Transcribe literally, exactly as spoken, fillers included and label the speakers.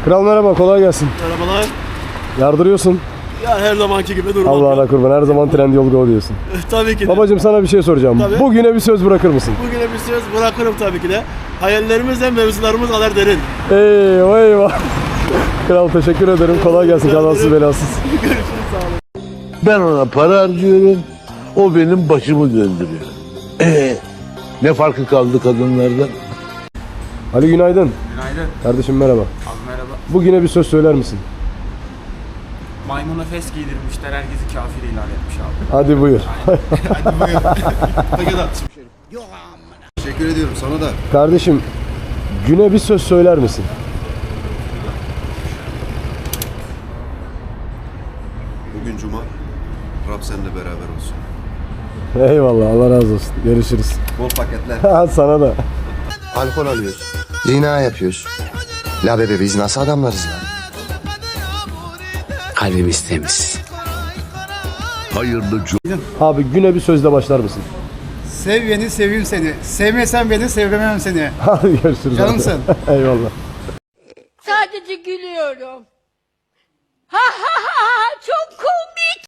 Speaker 1: Kral merhaba, kolay gelsin.
Speaker 2: Merhabalar.
Speaker 1: Yardırıyorsun.
Speaker 2: Ya her zamanki gibi durmak
Speaker 1: Allah'ına
Speaker 2: yok.
Speaker 1: kurban, her zaman Trendyol Go diyorsun.
Speaker 2: Tabii ki de.
Speaker 1: Babacım sana bir şey soracağım.
Speaker 2: Tabii.
Speaker 1: Bugüne bir söz bırakır mısın?
Speaker 2: Bugüne bir söz bırakırım tabii ki de. Hayallerimizle mevzularımız kadar derin.
Speaker 1: Eyvah eyvah. Kral teşekkür ederim. Kolay gelsin. Kazasız belasız.
Speaker 2: Görüşürüz, sağ olun.
Speaker 3: Ben ona para harcıyorum, o benim başımı döndürüyor. Ee, ne farkı kaldı kadınlardan?
Speaker 1: Ali günaydın.
Speaker 4: Günaydın.
Speaker 1: Kardeşim merhaba.
Speaker 4: Abi merhaba.
Speaker 1: Bugüne bir söz söyler misin?
Speaker 4: Maymuna fes giydirmişler, herkesi kafir ilan etmiş abi.
Speaker 1: Hadi buyur.
Speaker 5: Teşekkür ediyorum sana da.
Speaker 1: Kardeşim güne bir söz söyler misin?
Speaker 5: Bugün cuma. Rab seninle beraber olsun.
Speaker 1: Eyvallah, Allah razı olsun. Görüşürüz.
Speaker 5: Bol paketler.
Speaker 1: Ha, sana da.
Speaker 6: Alkol alıyoruz. Zina yapıyoruz. La bebe biz nasıl adamlarız lan?
Speaker 7: Kalbimiz temiz.
Speaker 3: Hayırlı cu-
Speaker 1: Abi güne bir sözle başlar mısın?
Speaker 8: Sev beni, seveyim seni. Sevmesen beni, sevmem seni.
Speaker 1: Hadi görüşürüz.
Speaker 8: Canımsın.
Speaker 1: Abi. Eyvallah.
Speaker 9: Sadece gülüyorum. Ha ha ha ha, çok komik.